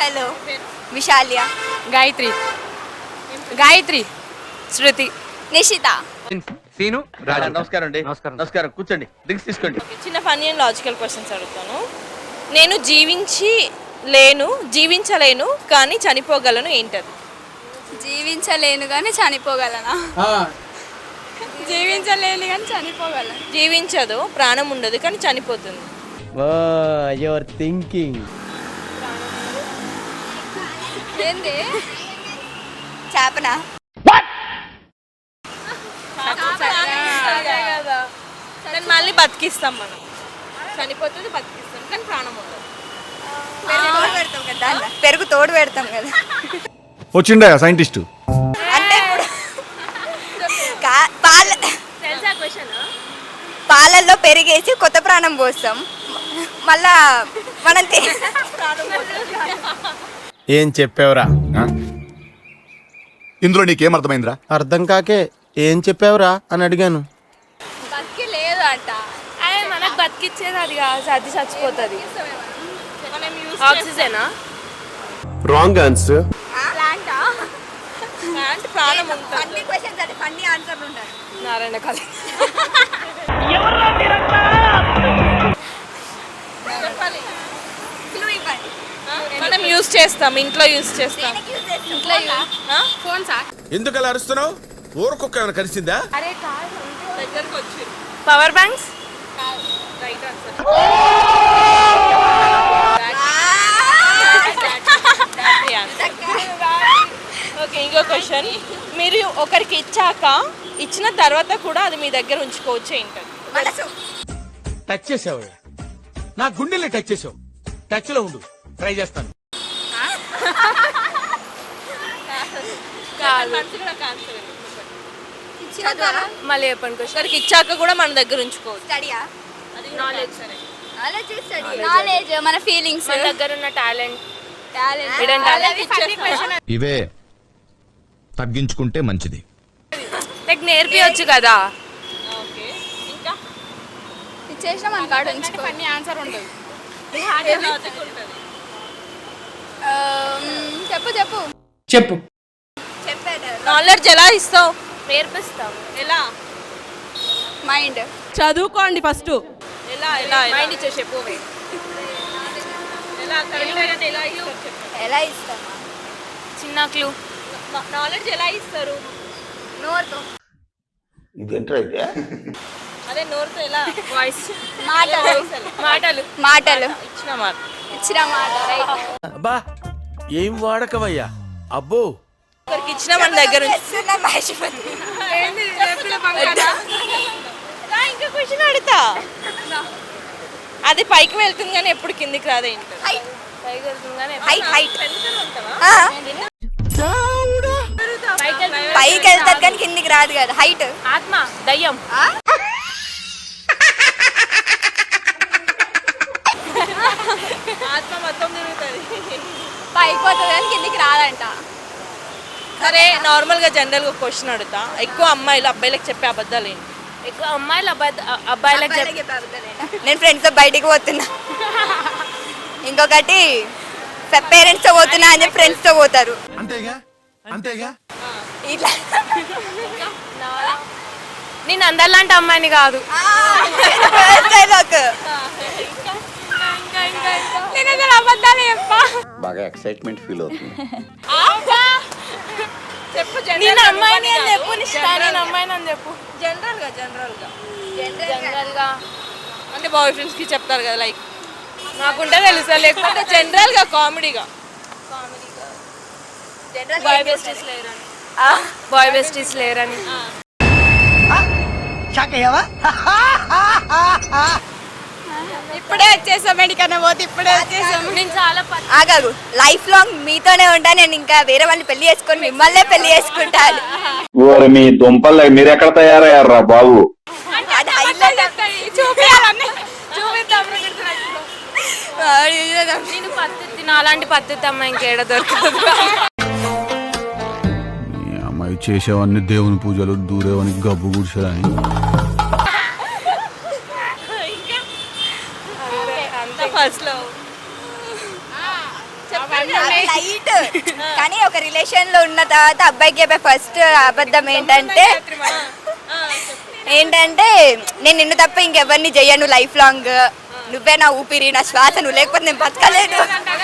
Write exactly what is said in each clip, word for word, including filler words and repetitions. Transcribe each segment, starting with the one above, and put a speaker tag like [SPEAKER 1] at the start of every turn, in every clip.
[SPEAKER 1] Hello Vishaliya,
[SPEAKER 2] Gayatri, Gayatri, Shruti,
[SPEAKER 1] Nishitha.
[SPEAKER 3] Seenu Raju.
[SPEAKER 4] నమస్కారం అండి.
[SPEAKER 3] నమస్కారం.
[SPEAKER 4] నమస్కారం, కూర్చోండి, డ్రింక్స్ తీసుకోండి.
[SPEAKER 5] చిన్న ఫన్నీ అండ్ లాజికల్ క్వశ్చన్స్ అడుగుతాను. నేను జీవించి లేను జీవించలేను కానీ చనిపోగలను, ఏంటది?
[SPEAKER 1] జీవించలేను కానీ చనిపోగలనా? జీవించలేను కానీ చనిపోగలను.
[SPEAKER 5] జీవించదు, ప్రాణం ఉండదు కానీ చనిపోతుంది.
[SPEAKER 3] Your thinking.
[SPEAKER 1] ఏంది? చేపనా?
[SPEAKER 5] దాన్ని మళ్ళీ బతికిస్తాం మనం. చనిపోతుంది, బతికిస్తాం కానీ ప్రాణం ఉండదు.
[SPEAKER 1] తోడు పెడతాం కదా దాంట్లో. పెరుగు తోడు పెడతాం కదా.
[SPEAKER 6] వచ్చిండా సైంటిస్ట్?
[SPEAKER 1] అంటే ఇప్పుడు కా- పాల
[SPEAKER 5] తెలుసా క్వశ్చన్?
[SPEAKER 1] పాలల్లో పెరిగేసి కొత్త ప్రాణం పోస్తాం, మళ్ళా మనం తి-
[SPEAKER 7] ఏం చెప్పావురా?
[SPEAKER 6] ఇందులో నీకేం అర్థమైందిరా?
[SPEAKER 7] అర్థం కాకే ఏం చెప్పావురా అని అడిగాను.
[SPEAKER 1] బతికి లేదు అంట.
[SPEAKER 2] అదే మనకు బతికిచ్చేది అది కాదు, అది చచ్చిపోతుంది. ఆక్సిజనా?
[SPEAKER 7] Wrong answer.
[SPEAKER 1] ప్లాంటా?
[SPEAKER 5] అంటే ప్రాణం ఉంటుంది.
[SPEAKER 1] ఫన్నీ క్వశ్చన్స్ అంటే ఫన్నీ ఆన్సర్లు ఉంటాయి.
[SPEAKER 2] నారాయణ కాలి.
[SPEAKER 5] చెప్పాలి.
[SPEAKER 1] క్లూ ఇవ్వండి.
[SPEAKER 5] మనం యూజ్ చేస్తాం, ఇంట్లో యూజ్ చేస్తాం.
[SPEAKER 1] దేనికి యూజ్ చేస్తాం? ఇంట్లో యూజ్.
[SPEAKER 2] Phone sir.
[SPEAKER 7] ఎందుకు అలా అరుస్తున్నావు? ఊరుకొక్క ఏమైనా కలిసిందా?
[SPEAKER 2] అరే కాదు,
[SPEAKER 5] దగ్గరకు వచ్చి
[SPEAKER 2] power banks.
[SPEAKER 5] Right answer. Okay, ఇంకో క్వశ్చన్. మీరు ఒకరికి ఇచ్చాక ఇచ్చిన తర్వాత కూడా అది మీ దగ్గర ఉంచుకోవచ్చు, ఏంటది?
[SPEAKER 1] మనసు.
[SPEAKER 8] టచ్ చేసావు, నా గుండెల్ని టచ్ చేసావు. టచ్ లో ఉండు, ట్రై చేస్తాను.
[SPEAKER 5] మనసు కూడా cancel.
[SPEAKER 1] చదువా?
[SPEAKER 2] మళ్ళీ చెప్పండి క్వశ్చన్.
[SPEAKER 5] ఒకరికి ఇచ్చాక కూడా మన దగ్గర ఉంచుకోవచ్చు.
[SPEAKER 1] స్టడీయా?
[SPEAKER 5] అది నాలెడ్జ్.
[SPEAKER 1] Knowledge study. నాలెడ్జ్ మన ఫీలింగ్స్.
[SPEAKER 2] మన దగ్గర ఉన్న టాలెంట్.
[SPEAKER 1] టాలెంట్.
[SPEAKER 2] Hidden talent.
[SPEAKER 9] ఇవే తగ్గించుకుంటే మంచిది.
[SPEAKER 2] లైక్ నేర్పియొచ్చు కదా.
[SPEAKER 5] ఓకే, ఇంకా
[SPEAKER 1] ఇచ్చేసిన మన కాడ ఉంచుకో.
[SPEAKER 2] ఫన్నీ ఆన్సర్ ఉండదు.
[SPEAKER 5] లాజిక్ ఉంటుంది.
[SPEAKER 1] చెప్పు చెప్పు
[SPEAKER 8] చెప్పు.
[SPEAKER 1] చెప్పేది
[SPEAKER 5] నాలెడ్జ్ ఎలా ఇస్తావు?
[SPEAKER 2] నేర్పిస్తాం.
[SPEAKER 5] ఎలా
[SPEAKER 1] మైండ్.
[SPEAKER 10] చదువుకోండి ఫస్ట్.
[SPEAKER 5] ఎలా ఎలా
[SPEAKER 2] మైండ్ ఇచ్చే చెప్పు.
[SPEAKER 5] ఎలా కరెక్ట్ ఎలా ఇస్తారు చెప్పు.
[SPEAKER 1] ఎలా ఇస్తామా?
[SPEAKER 2] చిన్న క్లూ.
[SPEAKER 5] నాలెడ్జ్ ఎలా ఇస్తారు?
[SPEAKER 1] నోరుతో.
[SPEAKER 5] అదే నోరుతో ఎలా?
[SPEAKER 2] వాయిస్.
[SPEAKER 1] మాటలు.
[SPEAKER 2] మాటలు.
[SPEAKER 1] మాటలు.
[SPEAKER 5] ఇచ్చిన మాట.
[SPEAKER 1] ఇచ్చిన మాట. రైట్.
[SPEAKER 7] అబ్బా ఏం వాడకవయ్యా. అబ్బో
[SPEAKER 5] ఒకరికి ఇచ్చిన మన దగ్గర ఉంచు.
[SPEAKER 1] చేస్తున్నా మర్చిపోయి.
[SPEAKER 5] ఇంకా క్వశ్చన్ అడుగుతా. అది పైకి వెళ్తుంది కానీ ఎప్పుడు కిందికి రాదే.
[SPEAKER 1] హైట్.
[SPEAKER 2] పైకి వెళ్తుందని
[SPEAKER 1] హైట్ హైట్.
[SPEAKER 5] ఉంటావా?
[SPEAKER 1] పైకి వెళ్తారు కానీ కిందికి రాదు కదా. హైట్.
[SPEAKER 2] ఆత్మ, దయ్యం.
[SPEAKER 5] ఆత్మ మొత్తం తిరుగుతుంది.
[SPEAKER 1] పైకి పోతుంది కానీ కిందికి రాదంట.
[SPEAKER 5] సరే, నార్మల్ గా జనరల్ గా క్వశ్చన్ అడుగుతా. ఎక్కువ అమ్మాయిలు అబ్బాయిలకు చెప్పే అబద్ధాలు ఏంటి?
[SPEAKER 2] ఎక్కువ అమ్మాయిలు అబ్బాయి అబ్బాయిలకు చెప్
[SPEAKER 1] అబ్బాయిలకి అబద్ధాలేనా? నేను ఫ్రెండ్స్ తో బయటికి పోతున్నా. ఇంకొకటి పేరెంట్స్ తో పోతున్నా అని చెప్పి ఫ్రెండ్స్ తో పోతారు.
[SPEAKER 6] అంతేగా అంతేగా.
[SPEAKER 1] ఇట్లా
[SPEAKER 2] నేను అందరిలాంటి అమ్మాయిని కాదు.
[SPEAKER 1] డైలాగ్. నేను అసలు అబద్ధాలు చెప్పా.
[SPEAKER 9] బాగా ఎక్సైట్మెంట్ ఫీల్ అవుతుంది.
[SPEAKER 5] చెప్పు.
[SPEAKER 2] నేను అమ్మాయిని అని చెప్పు. నిష్ఠా, నేను అమ్మాయిని అని చెప్పు.
[SPEAKER 5] జనరల్ గా జనరల్ గా
[SPEAKER 2] జనరల్ గా
[SPEAKER 5] అంటే బాయ్ ఫ్రెండ్స్ కి చెప్తారు కదా, లైక్
[SPEAKER 2] నాకుంటే తెలుసా. లేకపోతే
[SPEAKER 5] జనరల్ గా కామెడీగా
[SPEAKER 2] బాయ్ బెస్టీస్ లేరని. బాయ్ బెస్టీస్ లేరని.
[SPEAKER 1] ఇప్పుడే వచ్చేసాం. మెడికన్నా పోతే ఇప్పుడే వచ్చేసాం.
[SPEAKER 2] నేను చాలా ప-
[SPEAKER 1] ఆగాగు. లైఫ్ లాంగ్ మీతోనే ఉంటా. నేను ఇంకా వేరే వాళ్ళని పెళ్లి చేసుకొని మిమ్మల్నే పెళ్లి చేసుకుంటాను.
[SPEAKER 9] ఓరి మీ దుంపలు మీరు ఎక్కడ తయారయ్యారా బాబు?
[SPEAKER 1] అది హైలైట్.
[SPEAKER 2] చూపియాలని చూపిద్దాం. నేను పద్ధతి, నాలాంటి పద్ధతి అమ్మాయి ఇంకేడ దొరకదు.
[SPEAKER 6] అమ్మాయి చేసేవన్నీ దేవుని పూజలు, దూరేవని గబ్బు గుడిసేదని.
[SPEAKER 5] ఫస్ట్ లో
[SPEAKER 2] చెప్పండి.
[SPEAKER 1] లైట్ కానీ ఒక రిలేషన్ లో ఉన్న తర్వాత అబ్బాయికి చెప్పే ఫస్ట్ అబద్ధం ఏంటంటే ఏంటంటే నేను నిన్ను తప్ప ఇంకెవరిని చెయ్యను లైఫ్ లాంగ్, నువ్వే నా ఊపిరి నా శ్వాస, నువ్వు లేకపోతే నేను బతకలేను.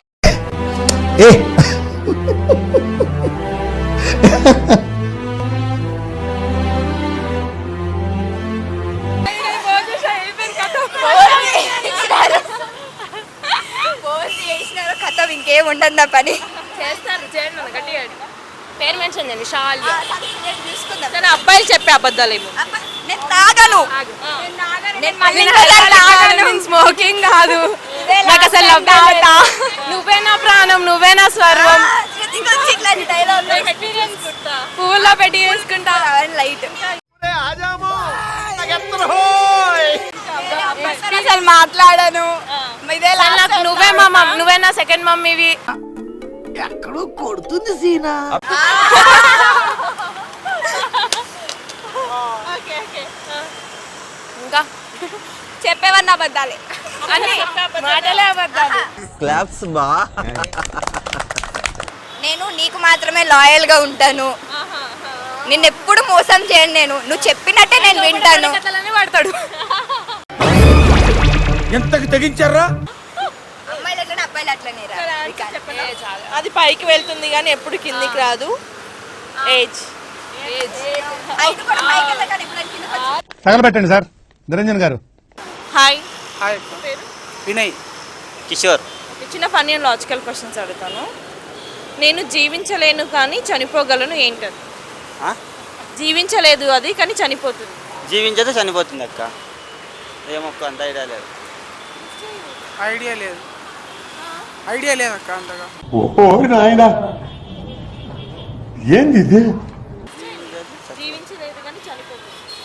[SPEAKER 1] చేసినారు కథం, ఇంకేం ఉండదు నా పని.
[SPEAKER 5] చేస్తారు చేయండి అన్న, గట్టిగా అడిగి. పేరు మెన్షన్ చేయండి షాల్.
[SPEAKER 1] చూసుకుందాం.
[SPEAKER 5] కానీ అబ్బాయిలు చెప్పే అబద్ధాలు ఏమో.
[SPEAKER 1] అబ్బా, నేను తాగను. నేను మళ్ళీ
[SPEAKER 2] స్మోకింగ్ కాదు, నాకు అసలు నువ్వే నా ప్రాణం, నువ్వే నా స్వర్వం, పువ్వుల్లో పెట్టి చేసుకుంటా
[SPEAKER 1] లైట్
[SPEAKER 2] అసలు మాట్లాడను. ఇదే నాకు నువ్వే మా మమ్ నువ్వే నా సెకండ్ మమ్మీవి.
[SPEAKER 8] ఎక్కడో కొడుతుంది సీనా.
[SPEAKER 2] ఇంకా
[SPEAKER 1] చెప్పేవన్న అబద్ధాలే,
[SPEAKER 2] అన్ని మాటలే అబద్ధాలు.
[SPEAKER 3] క్లాప్స్ బా.
[SPEAKER 1] నేను నీకు మాత్రమే లాయల్ గా ఉంటాను, నిన్ను ఎప్పుడు మోసం చేయను, నేను నువ్వు చెప్పినట్టే నేను వింటాను.
[SPEAKER 2] కథలన్నీ పడతాడు.
[SPEAKER 7] ఎంతకు తెగించారా?
[SPEAKER 1] అమ్మాయిలు అట్లనే అబ్బాయిలు అట్లనే రా.
[SPEAKER 5] అది పైకి వెళ్తుంది కానీ ఎప్పుడు కిందికి రాదు. ఏజ్
[SPEAKER 1] అయితే కూడా పైకి వెళ్ళగానే ఎప్పుడైనా కిందకి వచ్చి-
[SPEAKER 4] తగలబెట్టండి సార్ నిరంజన్ గారు.
[SPEAKER 5] Hi
[SPEAKER 7] hi Vinay
[SPEAKER 3] Kishore.
[SPEAKER 5] చిన్న ఫన్నీ అండ్ లాజికల్ క్వశ్చన్స్ అడుగుతాను. నేను జీవించలేను కానీ చనిపోగలను, ఏంటది? జీవించలేదు అది కానీ చనిపోతుంది.
[SPEAKER 3] జీవించదు చనిపోతుంది అక్క. ఏమొక్క అంత ఐడియా లేదు.
[SPEAKER 10] ఐడియా లేదు ఐడియా లేదు అక్క అంతగా.
[SPEAKER 4] ఓ నాయనా ఏంది ఇది?
[SPEAKER 5] జీవించలేదు కానీ చనిపోతుంది.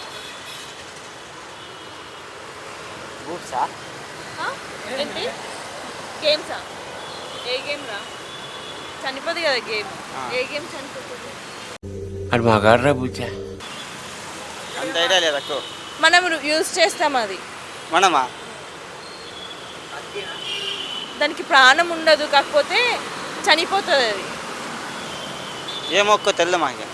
[SPEAKER 3] బూట్సా?
[SPEAKER 5] ఏంటి? గేమ్సా? ఏ గేమ్ రా? చనిపోదు కదా గేమ్. ఏ గేమ్ చనిపోతుంది?
[SPEAKER 7] అది మాగాడరా బుజ్జా.
[SPEAKER 3] అంత ఐడియా లేదు అక్క.
[SPEAKER 5] మనం యూజ్ చేస్తాం అది.
[SPEAKER 3] మనమా?
[SPEAKER 5] దానికి ప్రాణం ఉండదు, కాకపోతే చనిపోతుంది అది.
[SPEAKER 3] ఏమొక్క తెల్ల మాకే.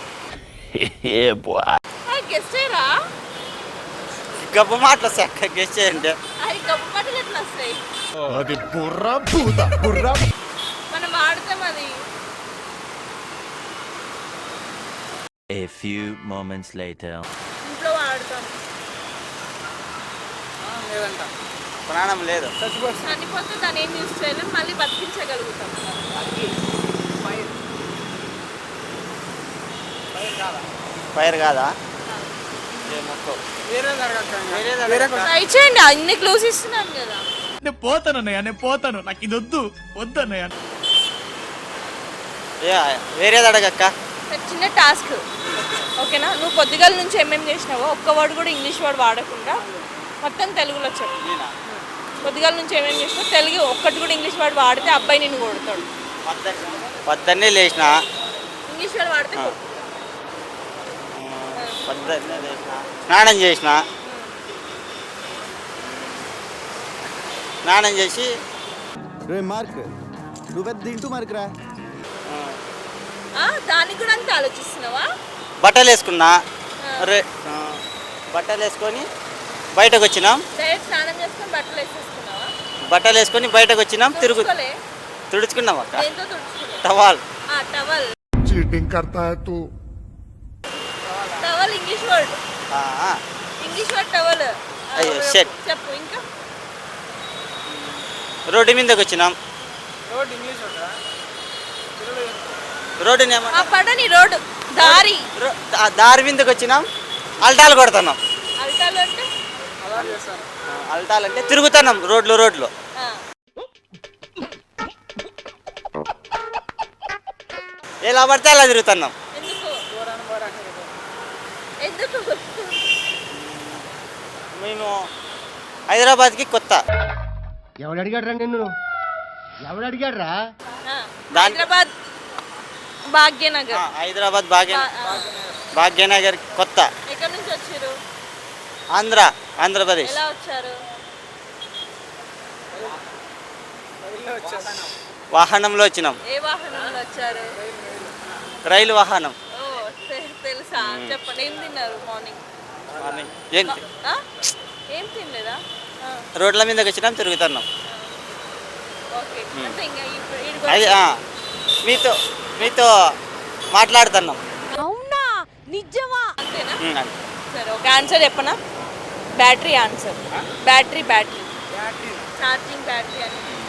[SPEAKER 5] గెస్ట్ చేయరా?
[SPEAKER 3] గబ్బు మాటలు వస్తాయి అక్క, గెస్ట్ చేయండి.
[SPEAKER 5] అది గొప్ప మాటలు ఎట్లా వస్తాయి?
[SPEAKER 4] అది బుర్రా భూత బుర్రా.
[SPEAKER 5] మనం వాడతాం అది.
[SPEAKER 3] A few moments later.
[SPEAKER 5] ఇంట్లో వాడతాం.
[SPEAKER 10] లేదంట
[SPEAKER 3] ప్రాణం లేదు.
[SPEAKER 5] చనిపోతే దాన్ని ఏం యూజ్ చేయలేం, మళ్ళీ బతికించగలుగుతాం.
[SPEAKER 3] ఫైర్ కాదా? ఏమొక్క
[SPEAKER 10] వేరేది అడగక్క ఇంకా.
[SPEAKER 3] వేరేది
[SPEAKER 10] వేరే
[SPEAKER 3] అడగక్క.
[SPEAKER 5] ట్రై చేయండి, అన్ని క్లూస్ ఇస్తున్నాను కదా.
[SPEAKER 4] నేను పోతాను అన్నయ్య, నేను పోతాను, నాకు ఇది వద్దు వద్దు అన్నయ్య.
[SPEAKER 3] ఏ వేరేది అడగక్క.
[SPEAKER 5] చిన్న టాస్క్, ఓకేనా? నువ్వు పొద్దుగాల నుంచి ఏమేమి చేసినావో ఒక్క వర్డ్ కూడా ఇంగ్లీష్ వర్డ్ వాడకుండా మొత్తం తెలుగులో చెప్పు.
[SPEAKER 3] నేనా?
[SPEAKER 5] పొద్దుగాల నుంచి ఏమేమి చేసినావు తెలుగు ఒక్కటి కూడా ఇంగ్లీష్ వర్డ్ వాడితే అబ్బాయి నిన్ను కొడతాడు.
[SPEAKER 3] పొద్దున్నే లేచిన.
[SPEAKER 5] ఇంగ్లీష్ వర్డ్ వాడితే కొట్టు.
[SPEAKER 3] పొద్దున్నే లేచిన, స్నానం చేసిన, స్నానం చేసి
[SPEAKER 4] మార్క్ నువ్వు తింటూ మార్కురా.
[SPEAKER 5] ఆ, దానికి కూడా అంత ఆలోచిస్తున్నావా?
[SPEAKER 3] బట్టలు వేసుకున్నా. రే ఆ, బట్టలు వేసుకొని బయటకు వచ్చినాం.
[SPEAKER 5] డైరెక్ట్ స్నానం చేసుకొని బట్టలు వేసేసుకున్నావా?
[SPEAKER 3] బట్టలు వేసుకొని బయటకు వచ్చినాం. తిరుగు
[SPEAKER 5] తుడుచుకోలే?
[SPEAKER 3] తుడుచుకున్నాం అక్క.
[SPEAKER 5] దేంతో తుడుచుకున్నావు?
[SPEAKER 3] టవాల్.
[SPEAKER 5] ఆ, టవల్.
[SPEAKER 4] చీటింగ్ करता है तू.
[SPEAKER 5] Towel English word.
[SPEAKER 3] ఆ, ఆ.
[SPEAKER 5] English word towel.
[SPEAKER 3] అయ్యో, షట్.
[SPEAKER 5] చెప్పు ఇంకా.
[SPEAKER 3] రోడ్డు మీదకి వచ్చినాం.
[SPEAKER 10] రోడ్ ఇంగ్లీష్ ఉంటుందా?
[SPEAKER 3] రోడ్డుని
[SPEAKER 5] ఆ
[SPEAKER 3] ఏమన్నా
[SPEAKER 5] పడని రోడ్డు దారి.
[SPEAKER 3] రో- దా- దారి మీదకి వచ్చినాం. అల్టాలు కొడుతున్నాం.
[SPEAKER 5] అల్టాలు అంటే
[SPEAKER 10] అలా చేస్తాను.
[SPEAKER 3] ఆ, అల్టాలు అంటే తిరుగుతున్నాం రోడ్లు రోడ్లు.
[SPEAKER 5] ఆ.
[SPEAKER 3] ఎలా పడితే అలా తిరుగుతున్నాం.
[SPEAKER 5] ఎందుకు? ఎందుకు?
[SPEAKER 3] మేము హైదరాబాద్కి కొత్త.
[SPEAKER 4] ఎవడు అడిగాడు నిన్ను? ఎవడు అడిగాడు రా?
[SPEAKER 5] ఆ,
[SPEAKER 3] దాని-
[SPEAKER 5] హైదరాబాద్ భాగ్యనగర్.
[SPEAKER 3] ఆ, హైదరాబాద్ భాగ్య
[SPEAKER 5] ఆ, ఆ.
[SPEAKER 3] భాగ్యనగర్ కొత్త.
[SPEAKER 5] ఎక్కడి నుంచి వచ్చారు?
[SPEAKER 3] ఆంధ్ర ఆంధ్రప్రదేశ్.
[SPEAKER 5] ఎలా వచ్చారు?
[SPEAKER 3] వాహనంలో వచ్చినాం.
[SPEAKER 5] ఏ వాహనంలో వచ్చారు?
[SPEAKER 3] రైలు వాహనం.
[SPEAKER 5] ఓ తె- తెలుసా చెప్పండి. ఏం తిన్నారు మార్నింగ్?
[SPEAKER 3] మార్నింగ్ ఏం తి-
[SPEAKER 5] ఆ? ఏం తినలేదా? ఆ,
[SPEAKER 3] రోడ్ల మీదకి వచ్చినాం, తిరుగుతున్నాం.
[SPEAKER 5] ఓకే. అంటే ఇంకా ఇప్పుడు ఈడికి
[SPEAKER 3] అది
[SPEAKER 5] వచ్చి-
[SPEAKER 3] ఆ, మీతో మీతో మాట్లాడుతున్నాం.
[SPEAKER 5] అంతేనా?
[SPEAKER 3] ఉమ్, అంతే.
[SPEAKER 5] సరే ఒక ఆన్సర్ చెప్పనా? Battery answer. Battery battery charging battery అని